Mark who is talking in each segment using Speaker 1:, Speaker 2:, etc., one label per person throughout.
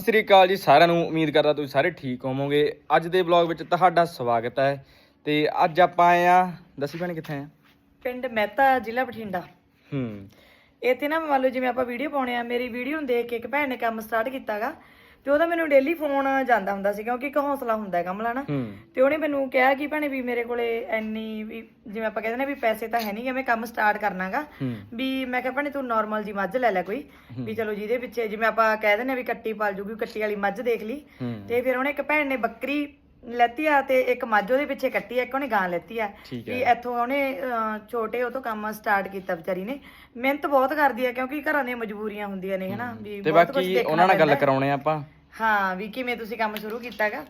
Speaker 1: ਸਤਿ ਸ੍ਰੀ ਅਕਾਲ ਜੀ ਸਾਰਿਆਂ ਨੂੰ। ਉਮੀਦ ਕਰਦਾ ਤੁਸੀਂ ਸਾਰੇ ਠੀਕ ਹੋਵੋਗੇ। ਅੱਜ ਦੇ ਵਲੌਗ ਵਿੱਚ ਤੁਹਾਡਾ ਸਵਾਗਤ ਹੈ। ਤੇ ਅੱਜ ਆਪਾਂ ਆਏ ਆ, ਦੱਸੀ ਭੈਣੇ ਕਿੱਥੇ ਆ?
Speaker 2: ਪਿੰਡ ਮਹਿਤਾ, ਜ਼ਿਲ੍ਹਾ ਬਠਿੰਡਾ। ਇੱਥੇ ਨਾ ਮੰਨ ਲਓ ਜਿਵੇਂ ਆਪਾਂ ਵੀਡੀਓ ਪਾਉਣੇ ਆ, ਮੇਰੀ ਵੀਡੀਓ ਨੂੰ ਦੇਖ ਕੇ ਇੱਕ ਭੈਣ ਨੇ ਕੰਮ ਸਟਾਰਟ ਕੀਤਾਗਾ ਤੇ ਉਹਦਾ ਮੈਨੂੰ ਡੇਲੀ ਫੋਨ ਜਾਂਦਾ ਹੁੰਦਾ ਸੀ, ਕਿਉਂਕਿ ਇੱਕ ਹੌਸਲਾ ਹੁੰਦਾ ਹੈ ਕਮਲਾ ਨਾ। ਤੇ ਉਹਨੇ ਮੈਨੂੰ ਕਿਹਾ ਕਿ ਭੈਣੇ ਵੀ ਮੇਰੇ ਕੋਲੇ ਇੰਨੀ ਵੀ ਜਿਵੇਂ ਆਪਾਂ ਕਹਿੰਦੇ ਨੇ ਵੀ ਪੈਸੇ ਤਾਂ ਹੈ ਨਹੀਂ ਕਿ ਮੈਂ ਕੰਮ ਸਟਾਰਟ ਕਰਨਾਗਾ ਵੀ। ਮੈਂ ਕਿਹਾ ਭੈਣੇ ਤੂੰ ਨਾਰਮਲ ਜੀ ਮੱਝ ਲੈ ਲੈ ਕੋਈ ਵੀ, ਚਲੋ ਜਿਹਦੇ ਪਿੱਛੇ ਜਿਵੇਂ ਆਪਾਂ ਕਹਿ ਦਿੰਦੇ ਵੀ ਕੱਟੀ ਪਾਲ ਜੂਗੀ, ਕੱਟੀ ਵਾਲੀ ਮੱਝ ਦੇਖ ਲਈ। ਤੇ ਫਿਰ ਉਹਨੇ ਇੱਕ ਭੈਣ ਨੇ ਬੱਕਰੀ ਲੈਤੀ ਆ ਤੇ ਇੱਕ ਮੱਝ ਉਹਦੇ ਪਿੱਛੇ ਕੱਟੀ ਆ, ਇੱਕ ਉਹਨੇ ਗਾਂ ਲੈਤੀ ਆ ਵੀ। ਇੱਥੋਂ ਉਹਨੇ ਛੋਟੇ ਉਹ ਤੋਂ ਕੰਮ ਸਟਾਰਟ ਕੀਤਾ ਵਿਚਾਰੀ ਨੇ। ਮਿਹਨਤ ਬਹੁਤ ਕਰਦੀ ਆ ਕਿਉਂਕਿ ਘਰਾਂ ਦੀਆਂ ਮਜਬੂਰੀਆਂ ਹੁੰਦੀਆਂ ਨੇ ਹਨਾ ਵੀ।
Speaker 1: ਤੇ ਬਾਕੀ ਉਹਨਾਂ ਨਾਲ ਗੱਲ ਕਰਾਉਣੇ ਆਪਾਂ।
Speaker 2: ਹਾਂ ਵੀ ਕਿਵੇਂ ਤੁਸੀਂ ਕੰਮ ਸ਼ੁਰੂ ਕੀਤਾਗਾ।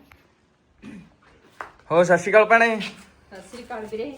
Speaker 1: ਹੋ ਸਤਿ ਸ਼੍ਰੀ ਅਕਾਲ ਭੈਣੇ।
Speaker 3: ਸਤਿ ਸ੍ਰੀ ਅਕਾਲ ਵੀਰੇ।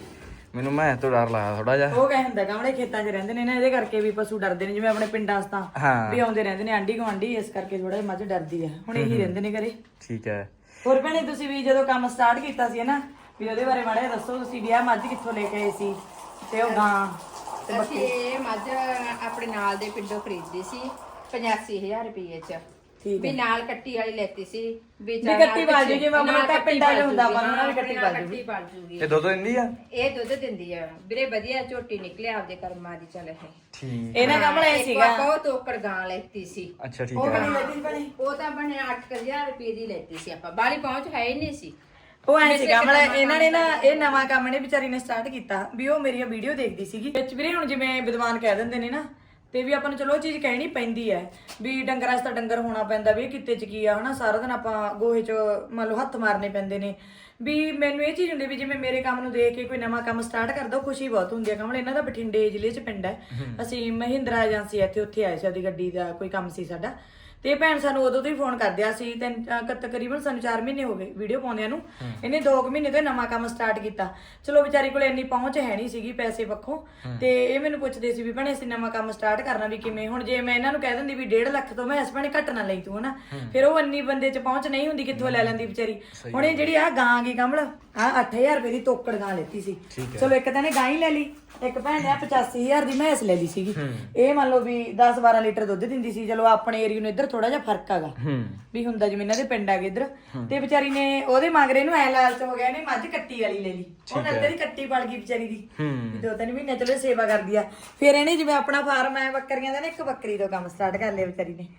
Speaker 1: ਮੈਨੂੰ ਮੈਂ ਤੋਂ ਡਰ ਲੱਗਦਾ ਥੋੜਾ ਜਿਹਾ।
Speaker 2: ਉਹ ਕਹਿ ਹੁੰਦਾ ਗਾਮੜੇ ਖੇਤਾਂ 'ਚ ਰਹਿੰਦੇ ਨੇ ਨਾ, ਇਹਦੇ ਕਰਕੇ ਵੀ ਪਸ਼ੂ ਡਰਦੇ ਨੇ। ਜਿਵੇਂ ਆਪਣੇ ਪਿੰਡਾਂ 'ਚ ਤਾਂ ਵੀ ਆਉਂਦੇ ਰਹਿੰਦੇ ਨੇ ਆਂਢੀ ਗੁਆਂਢੀ, ਇਸ ਕਰਕੇ ਥੋੜਾ ਜਿਹਾ ਮੱਝ ਡਰਦੀ ਆ। ਹੁਣ ਇਹੀ ਰਹਿੰਦੇ ਨੇ ਘਰੇ।
Speaker 1: ਠੀਕ ਹੈ।
Speaker 2: ਹੋਰ ਭੈਣੇ ਤੁਸੀਂ ਵੀ ਜਦੋਂ ਕੰਮ ਸਟਾਰਟ ਕੀਤਾ ਸੀ ਨਾ ਵੀ ਉਹਦੇ ਬਾਰੇ ਮਾੜਾ ਜਿਹਾ ਦੱਸੋ। ਤੁਸੀਂ ਵੀ ਆਹ ਮੱਝ ਕਿੱਥੋਂ ਲੈ ਕੇ ਆਏ ਸੀ ਤੇ ਉਹ ਗਾਂ?
Speaker 3: ਅਸੀਂ ਇਹ ਮੱਝ ਆਪਣੇ ਨਾਲ ਦੇ ਪਿੰਡੋਂ ਖਰੀਦੀ ਸੀ 85,000 ਰੁਪਏ ਚ। ਵੀ ਨਾਲ ਕੱਟੀ ਵਾਲੀ ਲੈਤੀ ਸੀ ਵੀ
Speaker 2: ਕੱਟੀ ਪਾਲ ਜੂ, ਜਿਵੇਂ ਆਪਣੇ ਪਿੰਡਾਂ 'ਚ ਹੁੰਦਾ ਵਾ ਉਹਨਾਂ ਦੀ ਕੱਟੀ
Speaker 3: ਪਾਲ ਜੂਗੀ।
Speaker 1: ਇਹ ਦੁੱਧ ਦਿੰਦੀ ਆ?
Speaker 3: ਇਹ ਦੁੱਧ ਦਿੰਦੀ ਆ ਵੀਰੇ, ਵਧੀਆ ਝੋਟੀ ਨਿਕਲੇ ਆਪਦੇ ਕਰਮਾਂ ਦੀ। ਚੱਲ
Speaker 1: ਠੀਕ।
Speaker 2: ਇਹਨਾਂ ਕੰਮ ਲੈ ਸੀਗਾ
Speaker 3: ਬਹੁਤ ਤੋਕੜ ਗਾਂ ਲੈਤੀ ਸੀ।
Speaker 1: ਅੱਛਾ ਠੀਕ
Speaker 2: ਉਹ
Speaker 1: ਹੈ।
Speaker 2: ਕਿੰਨੀ ਲੈਤੀ ਸੀ ਭੈਣੇ?
Speaker 3: ਉਹ ਤਾਂ ਬਣੇ 8,000 ਰੁਪਏ ਦੀ ਲੈਤੀ ਸੀ ਆਪਾਂ। ਬਾਲੀ ਪਹੁੰਚ ਹੈ ਹੀ ਨਹੀਂ ਸੀ।
Speaker 2: ਉਹ ਐ ਸੀਗਾ ਮਤਲਬ ਇਹਨਾਂ ਨੇ ਨਾ ਇਹ ਨਵਾਂ ਕੰਮ ਨੇ ਵਿਚਾਰੀ ਨੇ ਸਟਾਰਟ ਕੀਤਾ ਵੀ। ਉਹ ਮੇਰੀਆਂ ਵੀਡੀਓ ਦੇਖਦੀ ਸੀਗੀ ਵਿੱਚ ਵੀਰੇ। ਹੁਣ ਜਿਵੇਂ ਵਿਦਵਾਨ ਕਹਿ ਦਿੰਦੇ ਨੇ ਨਾ, ਤੇ ਵੀ ਆਪਾਂ ਨੂੰ ਚਲੋ ਉਹ ਚੀਜ਼ ਕਹਿਣੀ ਪੈਂਦੀ ਹੈ ਵੀ ਡੰਗਰਾਂ 'ਚ ਤਾਂ ਡੰਗਰ ਹੋਣਾ ਪੈਂਦਾ ਵੀ। ਇਹ ਕਿੱਤੇ 'ਚ ਕੀ ਆ ਹਨਾ, ਸਾਰਾ ਦਿਨ ਆਪਾਂ ਗੋਹੇ 'ਚ ਮੰਨ ਲਓ ਹੱਥ ਮਾਰਨੇ ਪੈਂਦੇ ਨੇ ਵੀ। ਮੈਨੂੰ ਇਹ ਚੀਜ਼ ਹੁੰਦੀ ਵੀ ਜਿਵੇਂ ਮੇਰੇ ਕੰਮ ਨੂੰ ਦੇਖ ਕੇ ਕੋਈ ਨਵਾਂ ਕੰਮ ਸਟਾਰਟ ਕਰਦਾ, ਉਹ ਖੁਸ਼ੀ ਬਹੁਤ ਹੁੰਦੀ ਹੈ। ਕਮਲ ਇਹਨਾਂ ਦਾ ਬਠਿੰਡੇ ਜ਼ਿਲ੍ਹੇ 'ਚ ਪਿੰਡ ਹੈ। ਅਸੀਂ ਮਹਿੰਦਰਾ ਏਜੰਸੀ ਇੱਥੇ ਉੱਥੇ ਆਏ ਸੀ, ਉਹਦੀ ਗੱਡੀ ਦਾ ਕੋਈ ਕੰਮ ਸੀ ਸਾਡਾ। ਤੇ ਭੈਣ ਸਾਨੂੰ ਉਦੋਂ ਤੋਂ ਹੀ ਫੋਨ ਕਰਦਿਆ ਸੀ। ਤਕਰੀਬਨ ਸਾਨੂੰ 4 ਮਹੀਨੇ ਹੋ ਗਏ ਵੀਡੀਓ ਪਾਉਂਦਿਆਂ ਨੂੰ। ਇਹਨੇ 2 ਮਹੀਨੇ ਤੋਂ ਨਵਾਂ ਕੰਮ ਸਟਾਰਟ ਕੀਤਾ। ਚਲੋ ਵਿਚਾਰੀ ਕੋਲ ਇੰਨੀ ਪਹੁੰਚ ਹੈ ਨਹੀਂ ਸੀਗੀ ਪੈਸੇ ਪੱਖੋਂ। ਤੇ ਇਹ ਮੈਨੂੰ ਪੁੱਛਦੇ ਸੀ ਵੀ ਭੈਣੇ ਅਸੀਂ ਨਵਾਂ ਕੰਮ ਸਟਾਰਟ ਕਰਨਾ ਵੀ ਕਿਵੇਂ। ਹੁਣ ਜੇ ਮੈਂ ਇਹਨਾਂ ਨੂੰ ਕਹਿ ਦਿੰਦੀ ਵੀ 1.5 ਲੱਖ ਤੋਂ ਮੈਂ ਇਸ ਭੈਣੇ ਘੱਟ ਨਾ ਲਈ ਤੂੰ ਹਨਾ, ਫਿਰ ਉਹ ਇੰਨੀ ਬੰਦੇ 'ਚ ਪਹੁੰਚ ਨਹੀਂ ਹੁੰਦੀ, ਕਿੱਥੋਂ ਲੈ ਲੈਂਦੀ ਵਿਚਾਰੀ। ਹੁਣ ਇਹ ਜਿਹੜੀ ਆ ਗਾਂ ਗਈ ਕਮਲ, ਆ 8,000 ਰੁਪਏ ਦੀ ਤੋਕੜ ਗਾਂ ਲੈਤੀ ਸੀ। ਚਲੋ ਇੱਕ ਤਾਂ ਨੇ ਗਾਂ ਹੀ ਲੈ ਲਈ, ਇੱਕ ਭੈਣ ਨੇ 85,000 ਦੀ ਮੈਂਸ ਲੈ ਲਈ ਸੀਗੀ। ਇਹ ਮੰਨ ਲਓ ਵੀ 10-12 ਲੀਟਰ ਦੁੱਧ ਦਿੰਦੀ ਸੀ। ਚਲੋ ਆਪਣੇ ਏਰੀਆ ਨੂੰ ਇੱਧਰ ਥੋੜਾ ਜਿਹਾ ਫਰਕ ਹੈਗਾ ਵੀ ਹੁੰਦਾ, ਜਿਵੇਂ ਇਹਨਾਂ ਦੇ ਪਿੰਡ ਹੈਗੇ ਇੱਧਰ। ਤੇ ਵਿਚਾਰੀ ਨੇ ਉਹਦੇ ਮਗਰੇ ਨੂੰ ਐ ਲਾਲਚ ਹੋ ਗਿਆ, ਇਹਨੇ ਮੱਝ ਕੱਟੀ ਵਾਲੀ ਲੈ ਲਈ। ਉਹ ਨੱਤੇ ਦੀ ਕੱਟੀ ਪਲ ਗਈ ਵਿਚਾਰੀ ਦੀ। 2-3 ਮਹੀਨੇ ਚਲੋ ਸੇਵਾ ਕਰਦੀ ਆ। ਫਿਰ ਇਹਨੇ ਜਿਵੇਂ ਆਪਣਾ ਫਾਰਮ ਹੈ ਬੱਕਰੀਆਂ ਦਾ ਨਾ, ਇੱਕ ਬੱਕਰੀ ਤੋਂ ਕੰਮ ਸਟਾਰਟ ਕਰ ਲਿਆ ਵਿਚਾਰੀ ਨੇ।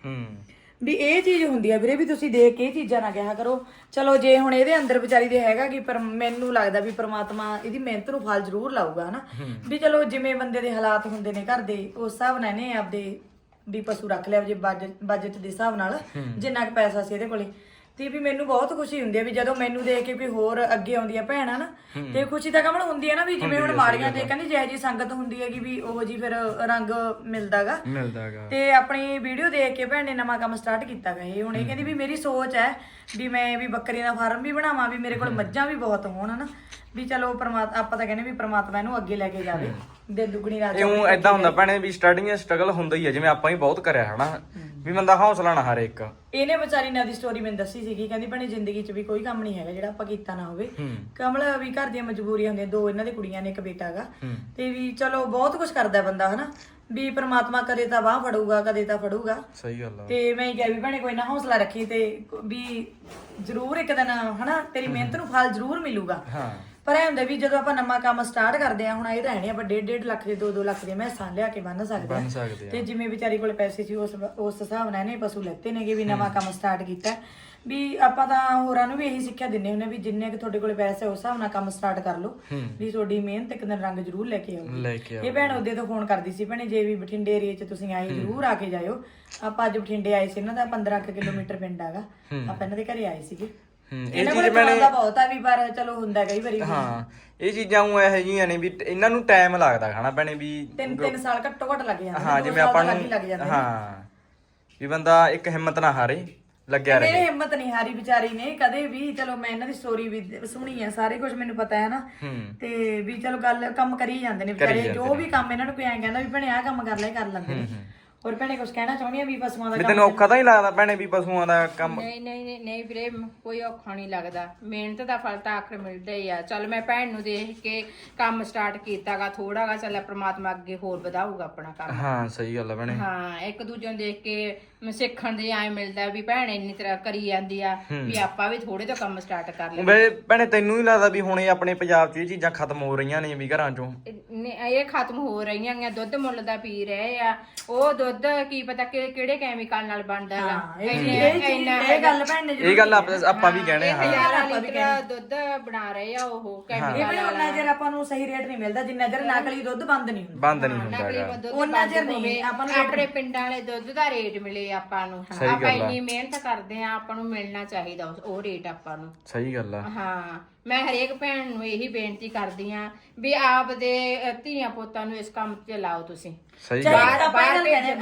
Speaker 2: ਵੀ ਇਹ ਚੀਜ਼ ਹੁੰਦੀ ਆ ਵੀਰੇ ਵੀ ਤੁਸੀਂ ਦੇਖ ਕੇ ਇਹ ਚੀਜ਼ਾਂ ਨਾ ਕਿਹਾ ਕਰੋ। ਚਲੋ ਜੇ ਹੁਣ ਇਹਦੇ ਅੰਦਰ ਵਿਚਾਰੀ ਦੇ ਹੈਗਾ ਕਿ, ਪਰ ਮੈਨੂੰ ਲੱਗਦਾ ਵੀ ਪ੍ਰਮਾਤਮਾ ਇਹਦੀ ਮਿਹਨਤ ਨੂੰ ਫਲ ਜ਼ਰੂਰ ਲਾਊਗਾ ਹਨਾ ਵੀ। ਚਲੋ ਜਿਵੇਂ ਬੰਦੇ ਦੇ ਹਾਲਾਤ ਹੁੰਦੇ ਨੇ ਘਰ ਦੇ, ਉਸ ਹਿਸਾਬ ਨਾਲ ਇਹਨੇ ਆਪਦੇ ਵੀ ਪਸ਼ੂ ਰੱਖ ਲਿਆ ਜੇ ਬਜਟ ਦੇ ਹਿਸਾਬ ਨਾਲ, ਜਿੰਨਾ ਕੁ ਪੈਸਾ ਸੀ ਇਹਦੇ ਕੋਲੇ। ਤੇ ਵੀ ਮੈਨੂੰ ਬਹੁਤ ਖੁਸ਼ੀ ਹੁੰਦੀ ਹੈ ਵੀ ਜਦੋਂ ਮੈਨੂੰ ਦੇਖ ਕੇ ਕੋਈ ਹੋਰ ਅੱਗੇ ਆਉਂਦੀ ਆ ਭੈਣ ਹਨਾ, ਤੇ ਖੁਸ਼ੀ ਤਾਂ ਕਮਲ ਹੁੰਦੀ ਹੈ ਨਾ ਵੀ ਜਿਵੇਂ ਹੁਣ ਮਾੜੀਆਂ ਤੇ ਕਹਿੰਦੇ ਜਿਹੋ ਜਿਹੀ ਸੰਗਤ ਹੁੰਦੀ ਹੈਗੀ ਵੀ ਉਹੋ ਜੀ ਫਿਰ ਰੰਗ ਮਿਲਦਾਗਾ। ਤੇ ਆਪਣੀ ਵੀਡੀਓ ਦੇਖ ਕੇ ਭੈਣ ਨੇ ਨਵਾਂ ਕੰਮ ਸਟਾਰਟ ਕੀਤਾਗਾ ਇਹ। ਹੁਣ ਇਹ ਕਹਿੰਦੀ ਵੀ ਮੇਰੀ ਸੋਚ ਹੈ ਵੀ ਮੈਂ ਵੀ ਬੱਕਰੀ ਦਾ ਫਾਰਮ ਵੀ ਬਣਾਵਾਂ, ਵੀ ਮੇਰੇ ਕੋਲ ਮੱਝਾਂ ਵੀ ਬਹੁਤ ਹੋਣ ਹਨਾ ਵੀ। ਚਲੋ ਆਪਾਂ ਤਾਂ ਕਹਿੰਦੇ ਵੀ ਪ੍ਰਮਾਤਮਾ ਇਹਨੂੰ ਅੱਗੇ ਲੈ ਕੇ ਜਾਵੇ, ਦੇ ਦੁੱਗਣੀ ਰਾਤ।
Speaker 1: ਇਉਂ ਏਦਾਂ ਹੁੰਦਾ ਭੈਣੇ ਵੀ ਸਟਾਰਟਿੰਗ ਸਟਰਗਲ ਹੁੰਦਾ ਹੀ ਹੈ, ਜਿਵੇਂ ਆਪਾਂ ਹੀ ਬਹੁਤ ਕਰਿਆ ਹਨਾ ਵੀ। ਬੰਦਾ ਹੌਸਲਾ ਨਾ ਹਾਰੇ ਇੱਕ।
Speaker 2: ਇਹਨੇ ਵਿਚਾਰੀ ਨੇ ਦੀ ਸਟੋਰੀ ਮੈਨੂੰ ਦੱਸੀ ਸੀਗੀ, ਕਹਿੰਦੀ ਭੈਣੇ ਜ਼ਿੰਦਗੀ 'ਚ ਵੀ ਕੋਈ ਕੰਮ ਨਹੀਂ ਹੈਗਾ ਜਿਹੜਾ ਆਪਾਂ ਕੀਤਾ ਨਾ ਹੋਵੇ। ਕਮਲ ਵੀ ਘਰ ਦੀਆਂ ਮਜਬੂਰੀਆਂ ਹੁੰਦੀਆਂ, 2 ਇਹਨਾਂ ਦੀ ਕੁੜੀਆਂ ਨੇ, ਇੱਕ ਬੇਟਾ ਹੈਗਾ। ਤੇ ਵੀ ਚਲੋ ਬਹੁਤ ਕੁਝ ਕਰਦਾ ਬੰਦਾ ਹਨਾ ਵੀ। ਪ੍ਰਮਾਤਮਾ ਕਦੇ ਤਾਂ ਬਾਹ ਫੜੂਗਾ, ਕਦੇ ਤਾਂ ਫੜੂਗਾ।
Speaker 1: ਸਹੀ ਗੱਲ ਆ।
Speaker 2: ਤੇ ਮੈਂ ਹੀ ਕਿਹਾ ਵੀ ਭੈਣੇ ਕੋਈ ਨਾ ਹੌਸਲਾ ਰੱਖੀ ਤੇ ਵੀ ਜ਼ਰੂਰ ਇੱਕ ਦਿਨ ਹਨਾ ਤੇਰੀ ਮਿਹਨਤ ਨੂੰ ਫਲ ਜ਼ਰੂਰ ਮਿਲੂਗਾ। ਪਰ ਇਹ ਹੁੰਦਾ ਵੀ ਜਦੋਂ ਆਪਾਂ ਨਵਾਂ ਕੰਮ ਸਟਾਰਟ ਕਰਦੇ ਆ, ਹੁਣ ਇਹ ਤਾਂ ਹੈ ਨੀ ਆਪਾਂ 1.5 ਲੱਖ ਦੇ 2-2 ਲੱਖ ਦੇ ਮੈਸਾਂ ਲਿਆ ਕੇ ਬੰਨ ਸਕਦੇ ਆ। ਤੇ ਜਿਵੇਂ ਵਿਚਾਰੀ ਕੋਲ ਪੈਸੇ ਸੀ ਉਸ ਹਿਸਾਬ ਨਾਲ ਇਹਨੇ ਪਸ਼ੂ ਲੈਤੇ ਨੇਗੇ ਵੀ। ਨਵਾਂ ਕੰਮ ਸਟਾਰਟ ਕੀਤਾ ਵੀ। ਆਪਾਂ ਤਾਂ ਹੋਰਾਂ ਨੂੰ ਵੀ ਇਹੀ ਸਿੱਖਿਆ ਦਿੰਦੇ ਹੁੰਦੇ ਵੀ ਜਿੰਨੇ ਕਿ ਤੁਹਾਡੇ ਕੋਲ ਪੈਸੇ ਉਸ ਹਿਸਾਬ ਨਾਲ ਕੰਮ ਸਟਾਰਟ ਕਰ ਲਓ ਵੀ। ਤੁਹਾਡੀ ਮਿਹਨਤ ਇੱਕ ਦਿਨ ਰੰਗ ਜ਼ਰੂਰ ਲੈ ਕੇ ਆਊਗੀ। ਇਹ ਭੈਣ ਉਹਦੇ ਤੋਂ ਫੋਨ ਕਰਦੀ ਸੀ, ਭੈਣੇ ਜੇ ਵੀ ਬਠਿੰਡੇ ਏਰੀਏ 'ਚ ਤੁਸੀਂ ਆਏ ਜ਼ਰੂਰ ਆ ਕੇ ਜਾਇਓ। ਆਪਾਂ ਅੱਜ ਬਠਿੰਡੇ ਆਏ ਸੀ, ਇਹਨਾਂ ਦਾ 15 ਕਿਲੋਮੀਟਰ ਪਿੰਡ ਹੈਗਾ। ਆਪਾਂ ਇਹਨਾਂ ਦੇ ਘਰੇ ਆਏ ਸੀਗੇ।
Speaker 1: ਇਹ ਚੀਜ਼ ਮੈਨੇ
Speaker 2: ਬਹੁਤ ਆ ਵੀ, ਪਰ ਚਲੋ ਹੁੰਦਾ ਕਈ ਵਾਰੀ।
Speaker 1: ਹਾਂ ਇਹ ਚੀਜ਼ਾਂ ਉਹ ਇਹੋ ਜਿਹੀਆਂ ਨੇ ਵੀ ਇਹਨਾਂ ਨੂੰ ਟਾਈਮ ਲੱਗਦਾ ਖਾਣਾ ਭੈਣੇ ਵੀ।
Speaker 2: 3 ਸਾਲ ਘੱਟੋ ਘੱਟ ਲੱਗ ਜਾਂਦੇ।
Speaker 1: ਹਾਂ ਜਿਵੇਂ ਆਪਾਂ ਨੂੰ ਹਾਂ ਵੀ ਬੰਦਾ ਇੱਕ ਹਿੰਮਤ ਨਾ ਹਾਰੇ, ਲੱਗਿਆ ਰਹੇ।
Speaker 2: ਇਹ ਹਿੰਮਤ ਨਹੀਂ ਹਾਰੀ ਵਿਚਾਰੀ ਨੇ ਕਦੇ ਵੀ। ਚਲੋ ਮੈਂ ਇਹਨਾਂ ਦੀ ਸਟੋਰੀ ਵੀ ਸੁਣੀ ਆ, ਸਾਰੇ ਕੁਝ ਮੈਨੂੰ ਪਤਾ ਹੈ ਨਾ। ਤੇ ਵੀ ਚਲੋ ਗੱਲ ਕੰਮ ਕਰੀ ਜਾਂਦੇ ਨੇ ਵਿਚਾਰੇ। ਜੋ ਵੀ ਕੰਮ ਇਹਨਾਂ ਨੂੰ ਕੋਈ ਐਂ ਕਹਿੰਦਾ ਵੀ ਭੈਣੇ ਆਹ ਕੰਮ ਕਰ ਲੈ, ਕਰ ਲੈਂਦੇ ਨੇ। ਹੋਰ ਭੈਣੇ ਕੁਝ ਕਹਿਣਾ ਚਾਹੁੰਦੀ ਆ ਵੀ ਪਸ਼ੂਆਂ ਦਾ
Speaker 1: ਵੀ ਤੈਨੂੰ ਔਖਾ ਤਾਂ ਨਹੀਂ ਲੱਗਦਾ ਭੈਣੇ ਵੀ ਪਸ਼ੂਆਂ ਦਾ ਕੰਮ?
Speaker 3: ਨਹੀਂ ਵੀਰੇ, ਕੋਈ ਔਖਾ ਨਹੀਂ ਲੱਗਦਾ। ਮਿਹਨਤ ਦਾ ਫਲ ਤਾਂ ਆਖਰ ਮਿਲਦਾ ਹੀ ਆ। ਚੱਲ ਮੈਂ ਭੈਣ ਨੂੰ ਦੇਖ ਕੇ ਕੰਮ ਸਟਾਰਟ ਕੀਤਾਗਾ ਥੋੜਾਗਾ, ਚੱਲ ਪ੍ਰਮਾਤਮਾ ਅੱਗੇ ਹੋਰ ਵਧਾਊਗਾ ਆਪਣਾ ਕੰਮ।
Speaker 1: ਹਾਂ ਸਹੀ ਗੱਲ ਆ ਭੈਣੇ।
Speaker 3: ਹਾਂ, ਇੱਕ ਦੂਜੇ ਨੂੰ ਦੇਖ ਕੇ ਸਿੱਖਣ ਦੇ ਐ ਮਿਲਦਾ ਵੀ ਭੈਣ ਇੰਨੀ ਤਰ੍ਹਾਂ ਕਰੀ ਜਾਂਦੀ ਆ, ਵੀ ਆਪਾਂ ਵੀ ਥੋੜੇ ਤੋਂ ਕੰਮ ਸਟਾਰਟ ਕਰ ਲਈਏ।
Speaker 1: ਵੇ ਭੈਣੇ ਤੈਨੂੰ ਹੀ ਲੱਗਦਾ ਵੀ ਹੁਣ ਇਹ ਆਪਣੇ ਪੰਜਾਬ 'ਚ ਇਹ ਚੀਜ਼ਾਂ ਖਤਮ ਹੋ ਰਹੀਆਂ ਨੇ ਵੀ ਘਰਾਂ 'ਚੋਂ?
Speaker 3: ਇਹ ਖਤਮ ਹੋ ਰਹੀਆਂ ਆ। ਦੁੱਧ ਮੁੱਲ ਦਾ ਪੀ ਰਹੇ ਆ, ਉਹ ਦੁੱਧ ਕੀ ਪਤਾ ਕਿਹੜੇ ਕੈਮੀਕਲ ਨਾਲ ਬਣਦਾ ਹੈਗਾ।
Speaker 2: ਇਹ ਗੱਲ ਭੈਣ ਨੇ
Speaker 1: ਇਹ ਗੱਲ ਆਪਾਂ ਵੀ ਕਹਿਣੇ ਹਾਂ।
Speaker 3: 1000 ਲੀਟਰ ਦੁੱਧ ਬਣਾ ਰਹੇ ਆ ਉਹ ਕੈਮੀਕਲ
Speaker 2: ਉਹਨਾਂ ਚਿਰ ਆਪਾਂ ਨੂੰ ਸਹੀ ਰੇਟ ਨਹੀਂ ਮਿਲਦਾ ਜਿੰਨਾ ਚਿਰ ਨਕਲੀ ਦੁੱਧ ਬੰਦ ਨਹੀਂ ਹੁੰਦਾ।
Speaker 1: ਬੰਦ ਨਹੀਂ ਹੁੰਦਾ ਹੈਗਾ
Speaker 3: ਉਹਨਾਂ ਚਿਰ ਨਹੀਂ ਆਪਾਂ ਨੂੰ ਆਪਣੇ ਪਿੰਡਾਂ ਵਾਲੇ ਦੁੱਧ ਦਾ ਰੇਟ ਮਿਲੇ ਆਪਾਂ ਨੂੰ। ਆਪਾਂ ਇੰਨੀ ਮਿਹਨਤ ਕਰਦੇ ਆ, ਆਪਾਂ ਨੂੰ ਮਿਲਣਾ ਚਾਹੀਦਾ ਉਹ ਰੇਟ ਆਪਾਂ ਨੂੰ।
Speaker 1: ਸਹੀ ਗੱਲ ਆ।
Speaker 3: ਹਾਂ, ਮੈਂ ਹਰੇਕ ਭੈਣ ਨੂੰ ਇਹੀ ਬੇਨਤੀ ਕਰਦੀ ਆ ਵੀ ਆਪ ਦੇ ਧੀਆਂ ਪੁੱਤਾਂ ਨੂੰ ਇਸ ਕੰਮ 'ਚ ਲਾਓ ਤੁਸੀਂ।
Speaker 1: ਸਹੀ ਗੱਲ
Speaker 3: ਬਾਹਰ
Speaker 2: ਬਾਹਰ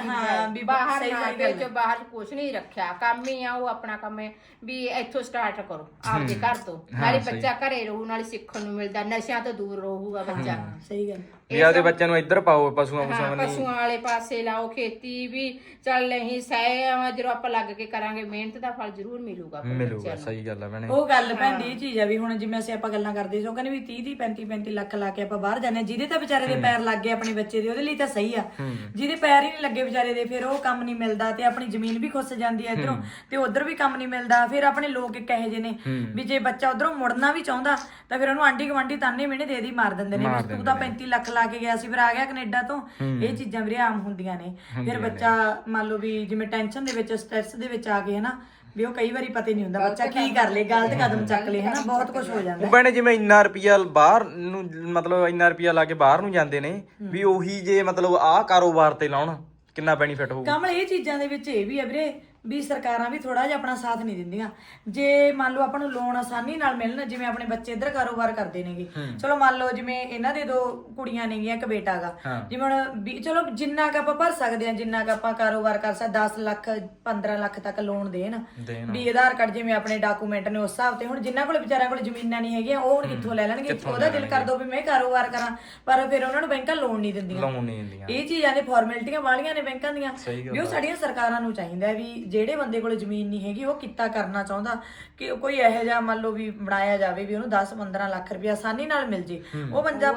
Speaker 3: ਕੁਛ ਨਹੀਂ ਰੱਖਿਆ, ਕੰਮ ਹੀ ਆ ਉਹ ਆਪਣਾ ਕੰਮ ਹੈ ਵੀ ਇੱਥੋਂ ਸਟਾਰਟ ਕਰੋ ਆਪਦੇ ਘਰ ਤੋਂ। ਨਾਲੇ ਬੱਚਾ ਘਰੇ ਰਹੂ, ਨਾਲੇ ਸਿੱਖਣ ਨੂੰ ਮਿਲਦਾ, ਨਸ਼ਿਆਂ ਤੋਂ ਦੂਰ ਰਹੂਗਾ ਬੱਚਾ।
Speaker 2: ਸਹੀ ਗੱਲ
Speaker 1: ਵੀ ਆਪਦੇ ਬੱਚਿਆਂ ਨੂੰ ਇੱਧਰ ਪਾਓ, ਪਸ਼ੂਆਂ
Speaker 3: ਪਸ਼ੂਆਂ ਵਾਲੇ ਪਾਸੇ ਲਾਓ, ਖੇਤੀ ਵੀ ਚੱਲ ਨਹੀਂ ਸਹਿ ਜਦੋਂ ਆਪਾਂ ਲੱਗ ਕੇ ਕਰਾਂਗੇ ਮਿਹਨਤ ਦਾ ਫਲ ਜ਼ਰੂਰ ਮਿਲੂਗਾ।
Speaker 1: ਸਹੀ ਗੱਲ ਆ ਭੈਣੇ।
Speaker 2: ਉਹ ਗੱਲ ਭੈਣ ਦੀ ਇਹ ਚੀਜ਼ ਆ ਵੀ ਹੁਣ ਜਿਵੇਂ ਅਸੀਂ ਆਪਾਂ ਗੱਲਾਂ ਕਰਦੇ ਸੀ, ਉਹ ਕਹਿੰਦੇ ਵੀ 30 35 ਲੱਖ ਲਾ ਕੇ ਆਪਾਂ ਬਾਹਰ ਜਾਂਦੇ, ਜਿਹਦੇ ਤਾਂ ਵਿਚਾਰੇ ਦੇ ਪੈਰ ਲੱਗ ਗਏ ਆਪਣੇ ਬੱਚੇ ਦੇ ਉਹਦੇ ਲਈ ਤਾਂ ਸਹੀ ਆ। ਜਿਹਦੇ ਪੈਰ ਹੀ ਨਹੀਂ ਲੱਗੇ ਵਿਚਾਰੇ ਦੇ ਫਿਰ ਉਹ ਕੰਮ ਨਹੀਂ ਮਿਲਦਾ ਤੇ ਆਪਣੀ ਜ਼ਮੀਨ ਵੀ ਖੁੱਸ ਜਾਂਦੀ ਹੈ ਇਧਰੋਂ ਤੇ ਉਧਰ ਵੀ ਕੰਮ ਨਹੀਂ ਮਿਲਦਾ। ਫਿਰ ਆਪਣੇ ਲੋਕ ਇੱਕ ਇਹੋ ਜਿਹੇ ਨੇ ਵੀ ਜੇ ਬੱਚਾ ਉਧਰੋਂ ਮੁੜਨਾ ਵੀ ਚਾਹੁੰਦਾ ਤਾਂ ਫਿਰ ਉਹਨੂੰ ਆਂਢੀ ਗੁਆਂਢੀ ਤਾਨੇ ਮਿਹਣੇ ਦੇ ਮਾਰ ਦਿੰਦੇ ਨੇ ਵੀ ਤੂੰ ਤਾਂ 35 ਲੱਖ ਲਾ ਕੇ ਗਿਆ ਸੀ ਫਿਰ ਆ ਗਿਆ ਕੈਨੇਡਾ ਤੋਂ। ਇਹ ਚੀਜ਼ਾਂ ਵੀਰੇ ਆਮ ਹੁੰਦੀਆਂ ਨੇ। ਫਿਰ ਬੱਚਾ ਮੰਨ ਲਓ ਵੀ ਜਿਵੇਂ ਟੈਨਸ਼ਨ ਦੇ ਵਿੱਚ ਸਟ੍ਰੈਸ ਦੇ ਵਿੱਚ ਆ ਕੇ ਹਨਾ ਵੀ ਉਹ ਕਈ ਵਾਰੀ ਪਤਾ ਨਹੀਂ ਹੁੰਦਾ ਬੱਚਾ ਕੀ ਕਰ ਲੇ, ਗਲਤ ਕਦਮ ਚੱਕ ਲੇ ਹਨਾ, ਬਹੁਤ ਕੁਝ ਹੋ ਜਾਂਦਾ।
Speaker 1: ਭੈਣੇ ਜਿਵੇਂ ਇੰਨਾ ਰੁਪਿਆ ਬਾਹਰ ਨੂੰ ਮਤਲਬ ਇੰਨਾ ਰੁਪਿਆ ਲਾ ਕੇ ਬਾਹਰ ਨੂੰ ਜਾਂਦੇ ਨੇ ਵੀ ਉਹੀ ਜੇ ਮਤਲਬ ਆਹ ਕਾਰੋਬਾਰ ਤੇ ਲਾਉਣ ਕਿੰਨਾ ਬੈਨੀਫਿਟ ਹੋਊ?
Speaker 2: ਕਮਲ ਇਹ ਚੀਜ਼ਾਂ ਦੇ ਵਿੱਚ ਇਹ ਵੀ ਹੈ ਵੀਰੇ ਵੀ ਸਰਕਾਰਾਂ ਵੀ ਥੋੜਾ ਜਿਹਾ ਆਪਣਾ ਸਾਥ ਨਹੀਂ ਦਿੰਦੀਆਂ। ਜੇ ਮੰਨ ਲਓ ਆਪਾਂ ਨੂੰ ਲੋਨ ਆਸਾਨੀ ਨਾਲ ਮਿਲਣ, ਜਿਵੇਂ ਆਪਣੇ ਬੱਚੇ ਇੱਧਰ ਕਾਰੋਬਾਰ ਕਰਦੇ ਨੇਗੇ, ਚਲੋ ਮੰਨ ਲਓ ਜਿਵੇਂ ਇਹਨਾਂ ਦੇ 2 ਕੁੜੀਆਂ ਨੇਗੀਆਂ, ਇੱਕ ਬੇਟਾ ਗਾ, ਜਿਵੇਂ ਹੁਣ ਚਲੋ ਜਿੰਨਾ ਕ ਆਪਾਂ ਭਰ ਸਕਦੇ ਆ, ਜਿੰਨਾ ਕ ਆਪਾਂ ਕਾਰੋਬਾਰ ਕਰ ਸਕਦੇ, 10 ਲੱਖ 15 ਲੱਖ ਤੱਕ ਲੋਨ ਦੇਣ ਵੀ ਆਧਾਰ ਕਾਰਡ ਜਿਵੇਂ ਆਪਣੇ ਡਾਕੂਮੈਂਟ ਨੇ ਉਸ ਹਿਸਾਬ ਤੇ। ਹੁਣ ਜਿਨ੍ਹਾਂ ਕੋਲ ਵਿਚਾਰਿਆਂ ਕੋਲ ਜ਼ਮੀਨਾਂ ਨਹੀਂ ਹੈਗੀਆਂ ਉਹ ਹੁਣ ਕਿੱਥੋਂ ਲੈ ਲੈਣਗੇ? ਉਹਦਾ ਦਿਲ ਕਰ ਦੋ ਵੀ ਮੈਂ ਕਾਰੋਬਾਰ ਕਰਾਂ, ਪਰ ਫਿਰ ਉਹਨਾਂ ਨੂੰ ਬੈਂਕਾਂ ਲੋਨ ਨਹੀਂ ਦਿੰਦੀਆਂ। ਇਹ ਚੀਜ਼ਾਂ ਦੇ ਫਾਰਮੈਲਿਟੀਆਂ ਵਾਲੀਆਂ ਨੇ ਬੈਂਕਾਂ ਦੀਆਂ ਵੀ ਉਹ ਸਾਡੀਆਂ ਸਰਕਾਰਾਂ ਨੂੰ ਚਾਹੀਦਾ ਵੀ ਜਿਹੜੇ ਬੰਦੇ ਕੋਲ ਜ਼ਮੀਨ ਨਹੀਂ ਹੈਗੀ ਉਹ ਕਿੱਤਾ ਕਰਨਾ ਚਾਹੁੰਦਾ ਕਿ ਕੋਈ ਇਹੋ ਜਿਹਾ ਮੰਨ ਲਓ ਵੀ ਬਣਾਇਆ ਜਾਵੇ ਵੀ ਉਹਨੂੰ 10-15 ਲੱਖ ਰੁਪਇਆ ਆਸਾਨੀ ਨਾਲ ਮਿਲ ਜੇ, ਉਹ ਬੰਦਾ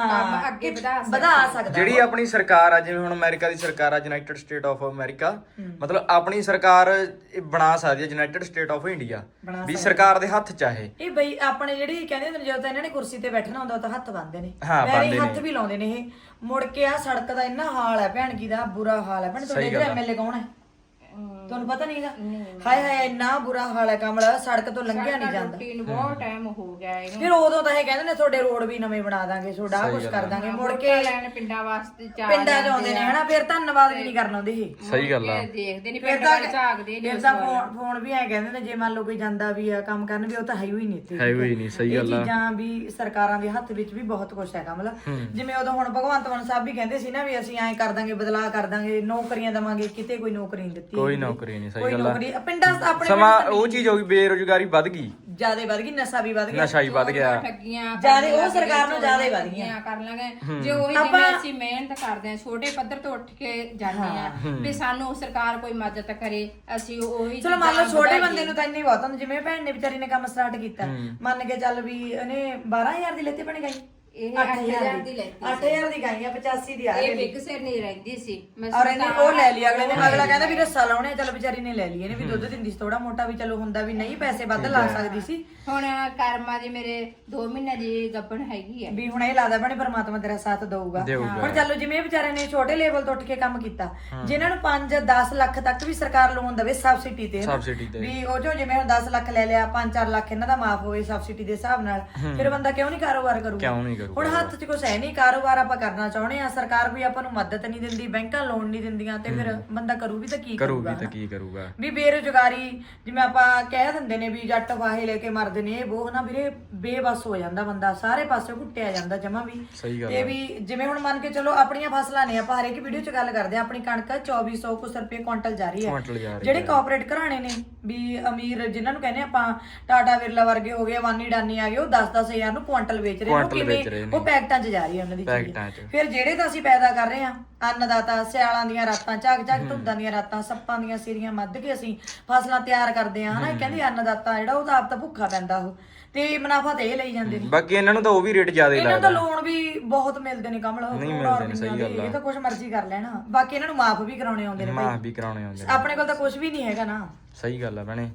Speaker 2: ਅੱਗੇ ਵਧਾ ਸਕਦਾ।
Speaker 1: ਜਿਹੜੀ ਆਪਣੀ ਸਰਕਾਰ ਆ, ਜਿਵੇਂ ਹੁਣ ਅਮਰੀਕਾ ਦੀ ਸਰਕਾਰ ਆ, ਯੂਨਾਈਟਿਡ ਸਟੇਟ ਆਫ ਅਮਰੀਕਾ, ਮਤਲਬ ਆਪਣੀ ਸਰਕਾਰ ਬਣਾ ਸਕਦੀ ਹੈ ਯੂਨਾਈਟਿਡ ਸਟੇਟ ਆਫ ਇੰਡੀਆ ਵੀ ਸਰਕਾਰ ਦੇ ਹੱਥ ਚਾਹੇ। ਇਹ
Speaker 2: ਬਈ ਆਪਣੇ ਜਿਹੜੀ ਕਹਿੰਦੇ ਹੁੰਦੇ ਜਦੋਂ ਤਾਂ ਇਹਨਾਂ ਨੇ ਕੁਰਸੀ ਤੇ ਬੈਠਣਾ ਹੁੰਦਾ ਤਾਂ ਹੱਥ ਬੰਨਦੇ ਨੇ, ਪੈਰੀ ਹੱਥ ਵੀ ਲਾਉਂਦੇ ਨੇ। ਇਹ ਮੁੜ ਕੇ ਆ ਸੜਕ ਦਾ ਇੰਨਾ ਹਾਲ ਹੈ ਭੈਣ ਕੀ ਦਾ, ਬੁਰਾ ਹਾਲ ਹੈ ਭੈਣ। ਤੁਹਾਡੇ ਜਿਹੜੇ ਐਮਐਲਏ ਕੌਣ ਹੈ ਤੁਹਾਨੂੰ ਪਤਾ ਨਹੀਂਗਾ? ਹਾਏ ਹਾਏ ਇੰਨਾ ਬੁਰਾ ਹਾਲ ਹੈ ਕਮਲ, ਸੜਕ ਤੋਂ ਲੰਘਿਆ ਨਹੀਂ ਜਾਂਦਾ।
Speaker 3: ਬਹੁਤ ਟਾਈਮ ਹੋ ਗਿਆ ਇਹਨੂੰ।
Speaker 2: ਫਿਰ ਉਦੋਂ ਤਾਂ ਇਹ ਕਹਿੰਦੇ ਨੇ ਤੁਹਾਡੇ ਰੋਡ ਵੀ ਨਵੇਂ ਬਣਾ ਦਾਂਗੇ, ਤੁਹਾਡਾ ਕੁਝ ਕਰ ਦਾਂਗੇ। ਮੁੜ ਕੇ
Speaker 3: ਪਿੰਡਾਂ ਵਾਸਤੇ
Speaker 2: ਪਿੰਡਾਂ ਚ ਆਉਂਦੇ ਨੇ ਹਨਾ, ਫਿਰ ਧੰਨਵਾਦ ਵੀ ਨਹੀਂ ਕਰਨਾ ਉਹਦੇ। ਇਹ
Speaker 1: ਸਹੀ ਗੱਲ ਆ।
Speaker 3: ਦੇਖਦੇ ਨਹੀਂ ਪਿੰਡ ਵਾਲੇ ਝਾਕਦੇ
Speaker 2: ਫਿਰ ਤਾਂ ਫੋਨ ਵੀ ਐ ਕਹਿੰਦੇ ਨੇ ਜੇ ਮੰਨ ਲਓ ਕੋਈ ਜਾਂਦਾ ਵੀ ਆ ਕੰਮ ਕਰਨ ਵੀ ਉਹ ਤਾਂ ਹੈ ਹੀ ਨਹੀਂ ਇੱਥੇ,
Speaker 1: ਹੈ ਹੀ ਨਹੀਂ। ਸਹੀ ਗੱਲ ਆ।
Speaker 2: ਇਹ ਚੀਜ਼ਾਂ ਵੀ ਸਰਕਾਰਾਂ ਦੇ ਹੱਥ ਵਿੱਚ ਵੀ ਬਹੁਤ ਕੁਝ ਹੈਗਾ। ਮਤਲਬ ਜਿਵੇਂ ਉਦੋਂ ਹੁਣ ਭਗਵੰਤ ਮਾਨ ਸਾਹਿਬ ਵੀ ਕਹਿੰਦੇ ਸੀ ਨਾ ਵੀ ਅਸੀਂ ਐਂ ਕਰ ਦਾਂਗੇ, ਬਦਲਾਅ ਕਰ ਦਾਂਗੇ, ਨੌਕਰੀਆਂ ਦੇਵਾਂਗੇ, ਕਿਤੇ ਕੋਈ ਨੌਕਰੀ ਨਹੀਂ ਦਿੱਤੀ,
Speaker 1: ਕੋਈ ਨੌਕਰੀ ਨਹੀਂ।
Speaker 2: ਕੋਈ ਨੌਕਰੀ ਪਿੰਡਾਂ ਆਪਣੇ
Speaker 1: ਸਮਾਂ ਉਹ ਚੀਜ਼ ਹੋ ਗਈ, ਬੇਰੁਜ਼ਗਾਰੀ ਵੱਧ ਗਈ,
Speaker 2: ਜਿਆਦਾ ਵੱਧ ਗਈ, ਨਸ਼ਾ ਵੀ ਵੱਧ ਗਿਆ,
Speaker 1: ਨਸ਼ਾ ਹੀ ਵੱਧ ਗਿਆ,
Speaker 3: ਠੱਗੀਆਂ
Speaker 2: ਜਿਆਦਾ ਉਹ ਸਰਕਾਰ ਨੂੰ ਜਿਆਦਾ ਵੱਧ ਗਈਆਂ।
Speaker 3: ਕਰ ਲਾਂਗੇ ਜੇ ਉਹੀ ਜਿਵੇਂ ਅਸੀਂ ਮਿਹਨਤ ਕਰਦੇ ਆ, ਛੋਟੇ ਪੱਧਰ ਤੋਂ ਉੱਠ ਕੇ ਜਾਂਦੇ ਆ ਵੀ ਸਾਨੂੰ ਸਰਕਾਰ ਕੋਈ ਮਦਦ ਕਰੇ, ਅਸੀਂ ਉਹੀ
Speaker 2: ਚਲੋ ਮੰਨ ਲਓ ਛੋਟੇ ਬੰਦੇ ਨੂੰ ਤਾਂ ਇੰਨੀ ਬਹੁਤ ਹੁੰਦਾ। ਜਿਵੇਂ ਭੈਣ ਨੇ ਵਿਚਾਰੀ ਨੇ ਕੰਮ ਸਟਾਰਟ ਕੀਤਾ, ਮੰਨ ਕੇ ਚੱਲ ਵੀ ਉਹਨੇ 12000 ਦੀ ਲੈਤੇ ਬਣ ਗਈ,
Speaker 3: ਇਹ 8000 ਦੀ ਲੈਤੀ,
Speaker 2: 8000 ਦੀ ਗਾਈ ਆ, 85 ਦੀ ਆ
Speaker 3: ਇਹ ਬਿਗ ਸਿਰ ਨਹੀਂ ਰਹਿੰਦੀ ਸੀ।
Speaker 2: ਔਰ ਇਹਨੇ ਉਹ ਲੈ ਲਿਆ ਅਗਲੇ ਨੇ। ਅਗਲਾ ਕਹਿੰਦਾ ਵੀ ਰੱਸਾ ਲਾਉਣੇ, ਚਲ ਵਿਚਾਰੀ ਨੇ ਲੈ ਲਈ, ਇਹਨੇ ਵੀ ਦੁੱਧ ਦਿੰਦੀ ਸੀ ਥੋੜਾ ਮੋਟਾ ਵੀ, ਚਲੋ ਹੁੰਦਾ ਵੀ ਨਹੀਂ ਪੈਸੇ ਵੱਧ ਲਾ ਸਕਦੀ ਸੀ।
Speaker 3: ਹੁਣ ਕਰਮਾ ਦੀ ਮੇਰੇ 2 ਮਹੀਨੇ ਦੀ ਗੱਭਣ ਹੈਗੀ ਆ
Speaker 2: ਵੀ ਹੁਣ ਇਹ ਲੱਗਦਾ ਭੈਣੇ ਪਰਮਾਤਮਾ ਤੇਰਾ ਸਾਥ ਦਊਗਾ। ਹੁਣ ਚਲੋ ਜਿਵੇਂ ਵਿਚਾਰੇ ਨੇ ਛੋਟੇ ਲੈਵਲ ਤੋਂ ਉੱਠ ਕੇ ਕੰਮ ਕੀਤਾ, ਜਿਨ੍ਹਾਂ ਨੂੰ 5-10 ਲੱਖ ਤੱਕ ਵੀ ਸਰਕਾਰ ਲੋਨ ਦੇਵੇ ਸਬਸਿਡੀ ਤੇ, ਵੀ ਉਹ ਜੋ ਜਿਵੇਂ ਹੁਣ 10 ਲੱਖ ਲੈ ਲਿਆ, 5-4 ਲੱਖ ਇਹਨਾਂ ਦਾ ਮਾਫ ਹੋਵੇ ਸਬਸਿਡੀ ਦੇ ਹਿਸਾਬ ਨਾਲ, ਫਿਰ ਬੰਦਾ ਕਿਉਂ ਨਹੀਂ ਕਾਰੋਬਾਰ ਕਰੂਗਾ? ਹੁਣ ਹੱਥ 'ਚ ਕੁਛ ਹੈ ਨਹੀਂ, ਕਾਰੋਬਾਰ ਆਪਾਂ ਕਰਨਾ ਚਾਹੁੰਦੇ ਆ, ਸਰਕਾਰ ਵੀ ਆਪਾਂ ਨੂੰ ਮਦਦ ਨਹੀਂ ਦਿੰਦੀ, ਬੈਂਕਾਂ ਲੋਨ ਨਹੀਂ ਦਿੰਦੀਆਂ, ਤੇ ਫਿਰ ਬੰਦਾ ਕਰੂ ਵੀ ਤਾਂ ਕੀ ਕਰੂਗਾ? ਵੀ ਬੇਰੁਜ਼ਗਾਰੀ ਜਿਵੇਂ ਆਪਾਂ ਕਹਿ ਦਿੰਦੇ ਨੇ ਵੀ ਜੱਟ ਵਾਹੇ ਲੈ ਕੇ ਮਰਦੇ ਨੇ, ਇਹ ਉਹ ਨਾ ਵੀਰੇ ਬੇਬਸ ਹੋ ਜਾਂਦਾ ਬੰਦਾ, ਸਾਰੇ ਪਾਸੇ ਘੁੱਟਿਆ ਜਾਂਦਾ ਜਮਾ ਵੀ। ਤੇ ਵੀ ਜਿਵੇਂ ਹੁਣ ਮੰਨ ਕੇ ਚਲੋ ਆਪਣੀਆਂ ਫਸਲਾਂ ਨੇ, ਆਪਾਂ ਹਰੇਕ ਵੀਡੀਓ 'ਚ ਗੱਲ ਕਰਦੇ ਆ, ਆਪਣੀ ਕਣਕ 2400 ਕੁਛ ਰੁਪਏ ਕੁਇੰਟਲ ਜਾ ਰਹੀ ਹੈ। ਜਿਹੜੇ ਕਾਰਪੋਰੇਟ ਘਰਾਣੇ ਨੇ ਵੀ ਅਮੀਰ ਜਿਹਨਾਂ ਨੂੰ ਕਹਿੰਦੇ ਆਪਾਂ ਟਾਟਾ ਬਿਰਲਾ ਵਰਗੇ ਹੋ ਗਏ, ਅਵਾਨੀ ਡਾਨੀ ਆ ਗਏ, ਉਹ 10-10 ਹਜ਼ਾਰ ਨੂੰ ਕੁਇੰਟਲ ਵੇਚ ਰਹੇ ਨੇ। ਉਹ ਕਿਵੇਂ? ਉਹ ਪੈਕਟਾਂ 'ਚ ਜਾ ਰਹੀ ਹੈ ਉਹਨਾਂ ਦੀ ਚੀਜ਼। ਫਿਰ ਜਿਹੜੇ ਤਾਂ ਅਸੀਂ ਪੈਦਾ ਕਰ ਰਹੇ ਆ ਅੰਨਦਾਤਾ, ਸਿਆਲਾਂ ਦੀਆਂ ਰਾਤਾਂ, ਝਾਕ ਧੁੰਦਾਂ ਦੀਆਂ ਰਾਤਾਂ, ਸੱਪਾਂ ਦੀਆਂ ਸਿਰੀਆਂ ਮੱਧ ਕੇ ਅਸੀਂ ਫਸਲਾਂ ਤਿਆਰ ਕਰਦੇ ਆ ਹਨਾ। ਇਹ ਕਹਿੰਦੇ ਅੰਨਦਾਤਾ ਜਿਹੜਾ ਉਹ ਤਾਂ ਆਪ ਤਾਂ ਭੁੱਖਾ ਪੈਂਦਾ ਉਹ, ਤੇ ਮੁਨਾਫਾ ਤੇ ਇਹ ਲਈ ਜਾਂਦੇ ਨੇ।
Speaker 1: ਬਾਕੀ ਇਹਨਾਂ ਨੂੰ ਤਾਂ ਉਹ ਵੀ ਰੇਟ ਜ਼ਿਆਦਾ ਹੀ
Speaker 2: ਇਹਨਾਂ ਦਾ
Speaker 1: ਲੱਗਦਾ।
Speaker 2: ਲੋਨ ਵੀ ਬਹੁਤ ਮਿਲਦੇ ਨੇ ਕਮਲ,
Speaker 1: ਨਹੀਂ
Speaker 2: ਕਰੋੜਾਂ
Speaker 1: ਮਿਲਦੇ ਨੇ, ਸਹੀ
Speaker 2: ਰੁਪਈਆਂ
Speaker 1: ਗੱਲ
Speaker 2: ਦੇ, ਇਹ ਤਾਂ ਕੁਛ ਮਰਜ਼ੀ ਕਰ ਲੈਣਾ। ਬਾਕੀ ਇਹਨਾਂ ਨੂੰ ਮਾਫ ਵੀ ਕਰਾਉਣੇ ਆਉਂਦੇ ਨੇ
Speaker 1: ਮਾਫ ਵੀ ਕਰਾਉਣੇ ਆਉਂਦੇ ਨੇ।
Speaker 2: ਆਪਣੇ ਕੋਲ ਤਾਂ ਕੁਝ ਵੀ ਨਹੀਂ ਹੈਗਾ ਨਾ।
Speaker 1: ਸਹੀ ਗੱਲ ਆ ਭੈਣੇ।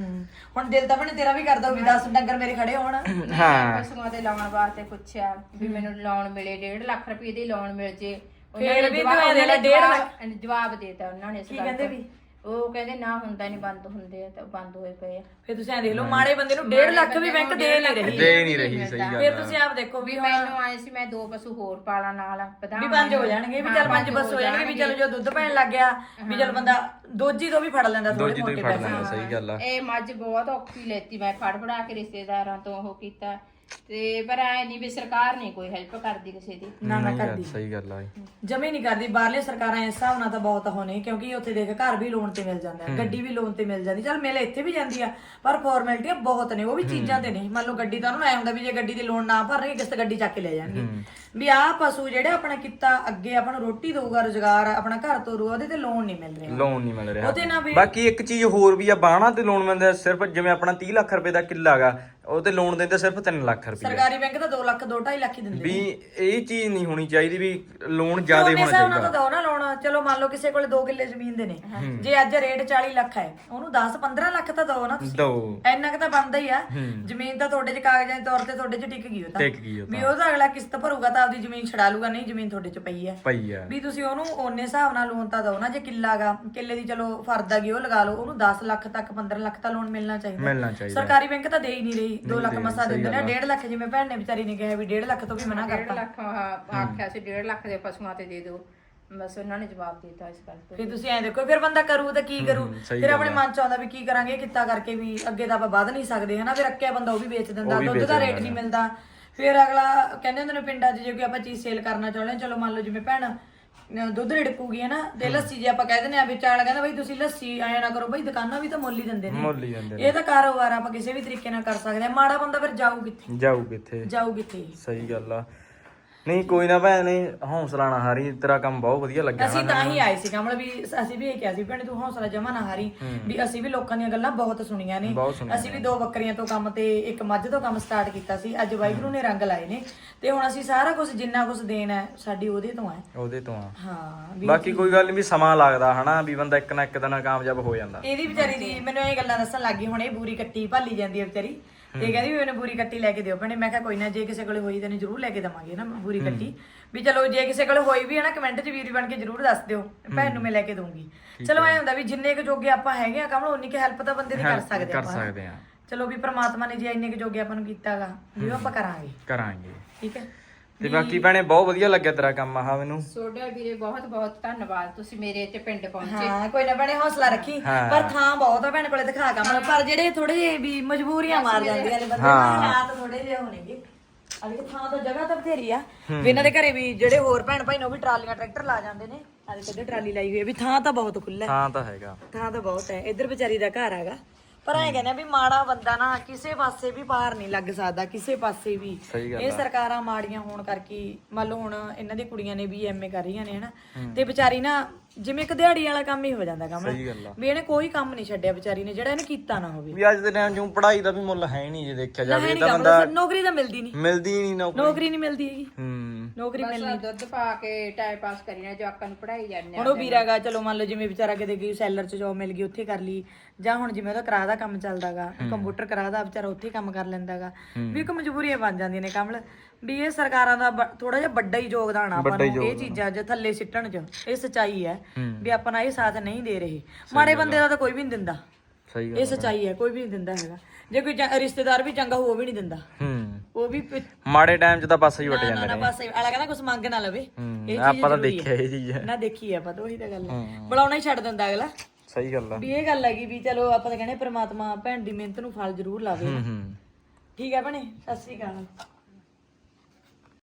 Speaker 2: ਹੁਣ ਦਿਲ ਤਾਂ ਭੈਣੇ ਤੇਰਾ ਵੀ ਕਰਦਾ ਵੀ 10 ਡੰਗਰ ਮੇਰੇ ਖੜੇ ਹੋਣ।
Speaker 1: ਹਾਂ
Speaker 3: ਪਸ਼ੂਆਂ ਦੇ ਲਾਉਣ ਵਾਸਤੇ ਪੁੱਛਿਆ ਵੀ ਮੈਨੂੰ ਲੋਨ ਮਿਲੇ 1.5 ਲੱਖ ਰੁਪਏ ਦੀ ਲੋਨ ਮਿਲ ਜੇ।
Speaker 2: ਫੇਰ ਵੀ ਤੂੰ ਇਹਦੇ ਨਾਲ 1.5 ਲੱਖ
Speaker 3: ਜਵਾਬ ਦੇਤਾ ਉਹਨਾਂ ਨੇ।
Speaker 2: ਕੀ ਕਹਿੰਦੇ ਵੀ?
Speaker 3: ਉਹ ਕਹਿੰਦੇ ਨਾ ਹੁੰਦਾ ਨਹੀਂ, ਬੰਦ ਹੁੰਦੇ ਆ ਤਾਂ ਬੰਦ ਹੋਏ ਪਏ ਆ।
Speaker 2: ਫੇਰ ਤੁਸੀਂ ਐ ਦੇਖ ਲਓ, ਮਾੜੇ ਬੰਦੇ ਨੂੰ 1.5 ਲੱਖ ਵੀ ਬੈਂਕ ਦੇ ਨਹੀਂ ਰਹੀ।
Speaker 1: ਦੇ ਨਹੀਂ ਰਹੀ, ਸਹੀ ਗੱਲ
Speaker 2: ਫੇਰ
Speaker 1: ਆ।
Speaker 2: ਤੁਸੀਂ ਆਪ ਦੇਖੋ ਵੀ ਹੁਣ
Speaker 3: ਮੈਨੂੰ ਆਏ ਸੀ ਮੈਂ 2 ਪਸ਼ੂ ਹੋਰ ਪਾਲਾਂ ਨਾਲ
Speaker 2: ਵੀ 5 ਹੋ ਜਾਣਗੇ, ਵੀ ਚੱਲ 5 ਬਸ ਹੋ ਜਾਣਗੇ, ਵੀ ਚਲੋ ਜੋ ਦੁੱਧ ਪੈਣ ਲੱਗ ਗਿਆ ਵੀ ਚਲ ਬੰਦਾ ਦੋਜੀ ਤੋਂ ਵੀ ਫੜ ਲੈਂਦਾ ਥੋੜੇ
Speaker 1: ਦੋਜੀ ਤੋਂ ਹੀ
Speaker 2: ਮੋਟੇ
Speaker 1: ਫੜ
Speaker 2: ਪੈਸੇ।
Speaker 1: ਲੈਂਦਾ, ਸਹੀ ਗੱਲ ਆ।
Speaker 3: ਇਹ ਮੱਝ ਬਹੁਤ ਔਖੀ ਲੈਤੀ ਮੈਂ, ਫੜ ਫੜਾ ਕੇ ਰਿਸ਼ਤੇਦਾਰਾਂ ਤੋਂ ਉਹ ਕੀਤਾ ਤੇ ਪਰ ਐ ਨਹੀਂ ਵੀ ਸਰਕਾਰ ਨਹੀਂ ਕੋਈ ਹੈਲਪ ਕਰਦੀ ਕਿਸੇ ਦੀ।
Speaker 2: ਨਾ
Speaker 1: ਨਹੀਂ ਯਾਰ,
Speaker 2: ਕਰਦੀ,
Speaker 1: ਸਹੀ ਗੱਲ ਆ।
Speaker 2: ਜਮੇ ਨਹੀਂ ਕਰਦੀ। ਬਾਹਰਲੇ ਸਰਕਾਰਾਂ ਇਸ ਹਿਸਾਬ ਨਾਲ ਤਾਂ ਬਹੁਤ ਹੋਣੇ, ਕਿਉਂਕਿ ਉੱਥੇ ਦੇਖ ਘਰ ਵੀ ਲੋਨ ਤੇ ਮਿਲ ਜਾਂਦਾ ਹੈ, ਗੱਡੀ ਵੀ ਲੋਨ ਤੇ ਮਿਲ ਜਾਂਦੀ। ਚਲ ਮਿਲ ਇੱਥੇ ਵੀ ਜਾਂਦੀ ਆ, ਪਰ ਫਾਰਮੈਲਿਟੀਆਂ ਬਹੁਤ ਨੇ, ਉਹ ਵੀ ਚੀਜ਼ਾਂ ਤੇ ਨਹੀਂ। ਮੰਨ ਲਓ ਗੱਡੀ ਤਾਂ ਉਹਨੂੰ ਐ ਹੁੰਦਾ ਵੀ ਜੇ ਗੱਡੀ ਦੀ ਲੋਨ ਨਾ ਭਰਨਗੇ ਕਿਸ ਗੱਡੀ ਚੱਕ ਕੇ ਲੈ ਜਾਣਗੇ। ਵੀ ਆਹ ਪਸ਼ੂ ਜਿਹੜੇ ਆਪਣਾ ਕੀਤਾ ਅੱਗੇ ਆਪਾਂ ਨੂੰ ਰੋਟੀ ਦਊਗਾ, ਰੁਜ਼ਗਾਰ ਆਪਣਾ ਘਰ ਤੋਰੂ, ਉਹਦੇ ਤੇ ਲੋਨ ਨਹੀਂ ਮਿਲ ਰਿਹਾ।
Speaker 1: ਲੋਨ ਨਹੀਂ ਮਿਲ ਰਿਹਾ।
Speaker 2: ਉਹਦੇ ਨਾਲ ਵੀ
Speaker 1: ਬਾਕੀ ਇੱਕ ਚੀਜ਼ ਹੋਰ ਵੀ ਆ, ਬਾਣਾ ਤੇ ਲੋਨ ਮਿਲਦਾ ਸਿਰਫ ਜਿਵੇਂ ਆਪਣਾ 30 ਲੱਖ ਰੁਪਏ ਦਾ ਕਿੱਲਾ ਗਾ, ਉਹ ਤੇ ਲੋਨ ਦਿੰਦੇ ਸਿਰਫ 3 ਲੱਖ ਰੁਪਏ।
Speaker 2: ਸਰਕਾਰੀ ਬੈਂਕ ਤਾਂ 2 ਲੱਖ 2.5 ਲੱਖ ਹੀ ਦਿੰਦੇ
Speaker 1: ਵੀ ਇਹ ਚੀਜ਼ ਨਹੀਂ ਹੋਣੀ ਚਾਹੀਦੀ ਵੀ ਲੋਨ ਜ਼ਿਆਦਾ ਹੋਣਾ
Speaker 2: ਹਿਸਾਬ ਨਾਲ
Speaker 1: ਚਾਹੀਦਾ।
Speaker 2: ਤਾਂ ਦੋ ਨਾ ਲੋਨ। ਚਲੋ ਮੰਨ ਲਓ ਕਿਸੇ ਕੋਲੇ 2 ਕਿੱਲੇ ਜ਼ਮੀਨ ਦੇ ਨੇ, ਜੇ ਅੱਜ ਰੇਟ 40 ਲੱਖ ਹੈ, ਉਹਨੂੰ 10-15 ਲੱਖ ਤਾਂ ਦੋ ਨਾ ਤੁਸੀਂ।
Speaker 1: ਦੋ
Speaker 2: ਇੰਨਾ ਕੁ ਤਾਂ ਬਣਦਾ ਹੀ ਆ। ਜ਼ਮੀਨ ਤਾਂ ਤੁਹਾਡੇ 'ਚ ਕਾਗਜ਼ਾਂ ਦੇ ਤੌਰ ਤੇ ਤੁਹਾਡੇ 'ਚ ਟਿਕ ਗਈ ਉਹ ਤਾਂ।
Speaker 1: ਟਿਕ ਗਈ ਉਹ ਤਾਂ।
Speaker 2: ਵੀ ਉਹ ਤਾਂ ਅਗਲਾ ਕਿਸ਼ਤ ਭਰੂਗਾ ਤਾਂ ਆਪਦੀ ਜ਼ਮੀਨ ਛਡਾ ਲੂਗਾ, ਨਹੀਂ ਜ਼ਮੀਨ ਤੁਹਾਡੇ 'ਚ ਪਈ ਆ।
Speaker 1: ਪਈ ਆ
Speaker 2: ਵੀ ਤੁਸੀਂ ਉਹਨੂੰ ਓਨੇ ਹਿਸਾਬ ਨਾਲ ਲੋਨ ਤਾਂ ਦੋ ਨਾ। ਜੇ ਕਿੱਲਾ ਗਾ, ਕਿੱਲੇ ਦੀ ਚਲੋ ਫਰਦ ਹੈਗੀ ਉਹ ਲਗਾ ਲਓ, ਉਹਨੂੰ 10 ਲੱਖ ਤੱਕ 15 ਲੱਖ ਤਾਂ ਲੋਨ ਮਿਲਣਾ ਚਾਹੀਦਾ। ਸਰਕਾਰੀ ਬੈਂਕ ਤਾਂ ਦੇ ਹੀ ਨਹੀਂ ਰਹੀ। 2 ਲੱਖ ਮਸਾ ਦਿੰਦੇ ਨੇ, 1.5 ਲੱਖ ਜਿਵੇਂ ਭੈਣ ਨੇ ਵਿਚਾਰੀ ਨੇ ਕਿਹਾ ਵੀ 1.5 ਲੱਖ ਤੋਂ ਵੀ ਮਨਾ
Speaker 3: 1.5
Speaker 2: ਕਰਤਾ।
Speaker 3: ਲੱਖ ਆਖਿਆ ਸੀ 1.5 ਲੱਖ ਦੇ ਪਸ਼ੂਆਂ ਤੇ ਦੇ ਦਿਓ, ਬਸ ਉਹਨਾਂ ਨੇ ਜਵਾਬ ਦਿੱਤਾ ਇਸ ਗੱਲ ਤੋਂ।
Speaker 2: ਫਿਰ ਤੁਸੀਂ ਐਂ ਦੇਖੋ, ਫਿਰ ਬੰਦਾ ਕਰੂ ਤਾਂ ਕੀ ਕਰੂ? ਫਿਰ ਆਪਣੇ ਮਨ ਚ ਆਉਂਦਾ ਵੀ ਕੀ ਕਰਾਂਗੇ, ਕਿੱਤਾ ਕਰਕੇ ਵੀ ਅੱਗੇ ਤਾਂ ਆਪਾਂ ਵੱਧ ਨਹੀਂ ਸਕਦੇ ਹਨਾ। ਫਿਰ ਰੱਖਿਆ ਬੰਦਾ ਉਹ ਵੀ ਵੇਚ ਦਿੰਦਾ, ਦੁੱਧ ਦਾ ਰੇਟ ਨਹੀਂ ਮਿਲਦਾ। ਫਿਰ ਅਗਲਾ ਕਹਿੰਦੇ ਹੁੰਦੇ ਨੇ ਪਿੰਡਾਂ 'ਚ ਜੇ ਕੋਈ ਆਪਾਂ ਚੀਜ਼ ਸੇਲ ਕਰਨਾ ਚਾਹੁੰਦੇ, ਚਲੋ ਮੰਨ ਲਓ ਜਿਵੇਂ ਭੈਣ ਦੁੱਧ ਰਿੜਕੂਗੀ ਹਨਾ, ਤੇ ਲੱਸੀ ਜੇ ਆਪਾਂ ਕਹਿ ਦਿੰਦੇ ਆ ਵਿੱਚ ਵਾਲਾ ਕਹਿੰਦਾ ਬਈ ਤੁਸੀਂ ਲੱਸੀ ਆਇਆ ਨਾ ਕਰੋ, ਬਈ ਦੁਕਾਨਾਂ ਵੀ ਤਾਂ ਮੁੱਲ ਹੀ ਦਿੰਦੇ ਨੇ। ਇਹ ਤਾਂ ਕਾਰੋਬਾਰ ਆਪਾਂ ਕਿਸੇ ਵੀ ਤਰੀਕੇ ਨਾਲ ਕਰ ਸਕਦੇ ਆ। ਮਾੜਾ ਬੰਦਾ ਫਿਰ ਜਾਊ ਕਿੱਥੇ? ਜਾਊ ਕਿੱਥੇ?
Speaker 1: ਸਹੀ ਗੱਲ ਆ। ਨਹੀਂ ਕੋਈ ਨਾ ਭੈਣ ਨੇ ਹੌਸਲਾ ਨਾ ਹਾਰੀ, ਤੇਰਾ ਕੰਮ ਬਹੁਤ ਵਧੀਆ ਲੱਗਿਆ।
Speaker 2: ਅਸੀਂ ਤਾਂ ਹੀ ਆਏ ਸੀ ਕਮਲ, ਵੀ ਅਸੀਂ ਵੀ ਇਹ ਕਿਹਾ ਸੀ ਭੈਣੇ ਤੂੰ ਹੌਸਲਾ ਜਮਾ ਨਾ ਹਾਰੀ, ਵੀ ਅਸੀਂ ਵੀ ਲੋਕਾਂ ਦੀਆਂ ਗੱਲਾਂ ਬਹੁਤ ਸੁਣੀਆਂ ਨੇ। ਅਸੀਂ ਵੀ 2 ਬੱਕਰੀਆਂ ਤੋਂ ਕੰਮ ਤੇ 1 ਮੱਝ ਤੋਂ ਕੰਮ ਸਟਾਰਟ ਕੀਤਾ ਸੀ। ਅੱਜ ਵਾਹਿਗੁਰੂ ਨੇ ਰੰਗ ਲਾਏ ਨੇ, ਤੇ ਹੁਣ ਅਸੀਂ ਸਾਰਾ ਕੁਝ ਜਿੰਨਾ ਕੁਝ ਦੇਣਾ ਹੈ ਸਾਡੀ ਉਹਦੇ ਤੋਂ ਹੈ।
Speaker 1: ਉਹਦੇ ਤੋਂ ਆ।
Speaker 2: ਹਾਂ,
Speaker 1: ਬਾਕੀ ਕੋਈ ਗੱਲ ਨਹੀਂ, ਵੀ ਸਮਾਂ ਲੱਗਦਾ ਹਨਾ, ਵੀ ਬੰਦਾ ਇੱਕ ਨਾ ਇੱਕ ਦਿਨ ਕਾਮਯਾਬ ਹੋ ਜਾਂਦਾ।
Speaker 2: ਇਹਦੀ ਵਿਚਾਰੀ ਦੀ ਮੈਨੂੰ ਇਹ ਗੱਲਾਂ ਦੱਸਣ ਲੱਗੀ, ਹੁਣ ਇਹ ਬੂਰੀ ਕੱਟੀ ਭਾਲੀ ਜਾਂਦੀ ਹੈ ਵਿਚਾਰੀ, ਤੇ ਕਹਿੰਦੀ ਵੀ ਮੈਨੂੰ ਬੂਰੀ ਕੱਟੀ ਲੈ ਕੇ ਦਿਓ ਭੈਣੇ। ਮੈਂ ਕਿਹਾ ਕੋਈ ਨਾ, ਜੇ ਕਿਸੇ ਕੋਲੇ ਹੋਈ ਤੈਨੂੰ ਜ਼ਰੂਰ ਲੈ ਕੇ ਦਵਾਂਗੇ ਨਾ ਬੂਰੀ ਕੱਟੀ। ਵੀ ਚਲੋ ਜੇ ਕਿਸੇ ਕੋਲੇ ਹੋਈ ਵੀ ਹੈ ਨਾ, ਕਮੈਂਟ 'ਚ ਵੀਰੀ ਬਣ ਕੇ ਜ਼ਰੂਰ ਦੱਸ ਦਿਓ, ਭੈਣ ਨੂੰ ਮੈਂ ਲੈ ਕੇ ਦਊਂਗੀ। ਚਲੋ ਐ ਹੁੰਦਾ ਵੀ ਜਿੰਨੇ ਕੁ ਜੋਗੇ ਆਪਾਂ ਹੈਗੇ ਆ ਕਮਲ, ਉਨੀ ਕੁ ਹੈਲਪ ਤਾਂ ਬੰਦੇ ਦੀ ਕਰ ਸਕਦੇ
Speaker 1: ਆ।
Speaker 2: ਚਲੋ ਵੀ ਪ੍ਰਮਾਤਮਾ ਨੇ ਜੇ ਇੰਨੇ ਕੁ ਜੋਗੇ ਆਪਾਂ ਨੂੰ ਕੀਤਾਗਾ, ਵੀ ਉਹ ਆਪਾਂ ਕਰਾਂਗੇ। ਠੀਕ ਹੈ।
Speaker 1: ਤੇ ਬਾਕੀ ਭੈਣੇ ਬਹੁਤ ਵਧੀਆ ਲੱਗਿਆ ਤੇਰਾ ਕੰਮ ਆਹ ਮੈਨੂੰ।
Speaker 3: ਤੁਹਾਡਾ ਵੀਰੇ ਬਹੁਤ ਬਹੁਤ ਧੰਨਵਾਦ, ਤੁਸੀਂ ਮੇਰੇ ਇੱਥੇ ਪਿੰਡ ਪਹੁੰਚੇ।
Speaker 2: ਹਾਂ ਕੋਈ ਨਾ ਭੈਣੇ, ਹੌਸਲਾ ਰੱਖੀ। ਪਰ ਥਾਂ ਬਹੁਤ ਆ ਭੈਣ ਕੋਲੇ, ਦਿਖਾ ਕਮਲ। ਪਰ ਜਿਹੜੇ ਥੋੜੇ ਜਿਹੇ ਵੀ ਮਜਬੂਰੀਆਂ ਮਾਰ ਜਾਂਦੀਆਂ ਨੇ ਬੰਦੇ ਨੂੰ, ਹਾਲਾਤ ਥੋੜੇ ਜਿਹੇ ਹੋਣਗੇ। ਅਜੇ ਥਾਂ ਤਾਂ ਜਗ੍ਹਾ ਤਾਂ ਬਥੇਰੀ ਆ ਵੀ ਇਹਨਾਂ ਦੇ ਘਰੇ ਵੀ ਜਿਹੜੇ ਹੋਰ ਭੈਣ ਭਾਈ ਨੇ ਉਹ ਵੀ ਟਰਾਲੀਆਂ ਟਰੈਕਟਰ ਲਾ ਜਾਂਦੇ ਨੇ। ਅਜੇ ਕਦੇ ਟਰਾਲੀ ਲਾਈ ਹੋਈ ਹੈ, ਵੀ ਥਾਂ ਤਾਂ ਬਹੁਤ ਖੁੱਲਾ।
Speaker 1: ਥਾਂ ਤਾਂ ਹੈਗਾ,
Speaker 2: ਥਾਂ ਤਾਂ ਬਹੁਤ ਹੈ। ਇੱਧਰ ਵਿਚਾਰੀ ਦਾ ਘਰ ਹੈਗਾ, ਪਰ ਐ ਕਹਿੰਦੇ ਵੀ ਮਾੜਾ ਬੰਦਾ ਨਾ ਕਿਸੇ ਪਾਸੇ ਵੀ ਪਾਰ ਨਹੀਂ ਲੱਗ ਸਕਦਾ, ਕਿਸੇ ਪਾਸੇ ਵੀ। ਇਹ ਸਰਕਾਰਾਂ ਮਾੜੀਆਂ ਹੋਣ ਕਰਕੇ, ਮੰਨ ਲਓ ਹੁਣ ਇਹਨਾਂ ਦੀ ਕੁੜੀਆਂ ਨੇ ਵੀ ਐਮਏ ਕਰ ਰਹੀਆਂ ਨੇ ਹਨਾ, ਤੇ ਵਿਚਾਰੀ ਨਾ ਜਿਵੇਂ ਇੱਕ ਦਿਹਾੜੀ ਵਾਲਾ ਕੰਮ ਹੀ ਹੋ ਜਾਂਦਾ ਕੰਮ, ਵੀ ਇਹਨੇ ਕੋਈ ਕੰਮ ਨਹੀਂ ਛੱਡਿਆ ਵਿਚਾਰੀ ਨੇ ਜਿਹੜਾ ਇਹਨੇ ਕੀਤਾ ਨਾ ਹੋਵੇ।
Speaker 1: ਵੀ ਅੱਜ ਦੇ ਟਾਈਮ 'ਚ ਪੜ੍ਹਾਈ ਦਾ ਵੀ ਮੁੱਲ ਹੈ ਨਹੀਂ, ਜੇ ਦੇਖਿਆ ਜਾਵੇ ਤਾਂ ਬੰਦਾ
Speaker 2: ਨੌਕਰੀ ਤਾਂ ਮਿਲਦੀ ਨਹੀਂ ਨੌਕਰੀ ਨਹੀਂ ਮਿਲਦੀ ਹੈਗੀ। ਨੌਕਰੀ ਮਿਲਣੀ
Speaker 3: ਦੁੱਧ ਪਾ ਕੇ ਟਾਈਮ ਪਾਸ ਕਰੀ ਨਾ, ਜਵਾਕਾਂ ਨੂੰ ਪੜਾਈ ਜਾਂਦੇ।
Speaker 2: ਹੁਣ ਉਹ ਵੀਰਾਗਾ, ਚਲੋ ਮੰਨ ਲਓ ਜਿਵੇਂ ਵਿਚਾਰਾ ਕਿਤੇ ਗਈ ਸੈਲਰ 'ਚ ਜੋਬ ਮਿਲ ਗਈ, ਉੱਥੇ ਕਰ ਲਈ, ਜਾਂ ਹੁਣ ਜਿਵੇਂ ਉਹਦਾ ਕਿਰਾਏ ਦਾ ਕੰਮ ਚੱਲਦਾਗਾ, ਕੰਪਿਊਟਰ ਕਿਰਾਏ ਦਾ, ਵਿਚਾਰਾ ਉੱਥੇ ਕੰਮ ਕਰ ਲੈਂਦਾਗਾ। ਵੀ ਇੱਕ ਮਜਬੂਰੀਆਂ ਬਣ ਜਾਂਦੀਆਂ ਨੇ ਕਮਲ। ਵੀ ਇਹ ਸਰਕਾਰਾਂ ਦਾ ਥੋੜਾ ਜਿਹਾ ਵੱਡਾ ਹੀ ਯੋਗਦਾਨ ਆ ਆਪਾਂ ਨੂੰ ਇਹ ਚੀਜ਼ਾਂ 'ਚ ਥੱਲੇ ਸਿੱਟਣ 'ਚ। ਇਹ ਸੱਚਾਈ ਹੈ ਵੀ ਆਪਾਂ ਇਹ ਸਾਥ ਨਹੀਂ ਦੇ ਰਹੇ। ਮਾੜੇ ਬੰਦੇ ਦਾ ਤਾਂ ਕੋਈ ਵੀ ਨਹੀਂ ਦਿੰਦਾ, ਇਹ ਸੱਚਾਈ ਹੈ, ਕੋਈ ਵੀ ਨਹੀਂ ਦਿੰਦਾ ਹੈਗਾ। ਜੇ ਕੋਈ ਰਿਸ਼ਤੇਦਾਰ ਵੀ ਚੰਗਾ ਹੋ, ਉਹ ਵੀ ਨਹੀਂ ਦਿੰਦਾ। ਉਹ ਵੀ
Speaker 1: ਮਾੜੇ ਟਾਈਮ 'ਚ ਤਾਂ ਪਾਸੇ ਹੀ ਵਟ ਜਾਂਦੇ ਨੇ।
Speaker 2: ਪਾਸੇ ਵਾਲਾ ਕਹਿੰਦਾ ਕੁਝ ਮੰਗ ਨਾ ਲਵੇ।
Speaker 1: ਆਪਾਂ ਤਾਂ ਦੇਖਿਆ ਇਹ ਚੀਜ਼
Speaker 2: ਨਾ, ਦੇਖੀ ਆਪਾਂ ਤਾਂ, ਉਹੀ ਤਾਂ ਗੱਲ ਹੈ। ਬੁਲਾਉਣਾ ਹੀ ਛੱਡ ਦਿੰਦਾ ਅਗਲਾ।
Speaker 1: ਸਹੀ ਗੱਲ ਆ।
Speaker 2: ਵੀ ਇਹ ਗੱਲ ਹੈਗੀ ਵੀ ਚਲੋ ਆਪਾਂ ਤਾਂ ਕਹਿੰਦੇ ਪ੍ਰਮਾਤਮਾ ਭੈਣ ਦੀ ਮਿਹਨਤ ਨੂੰ ਫਲ ਜ਼ਰੂਰ ਲਾਵੇ। ਠੀਕ ਹੈ ਭੈਣੇ, ਸਤਿ ਸ੍ਰੀ ਅਕਾਲ।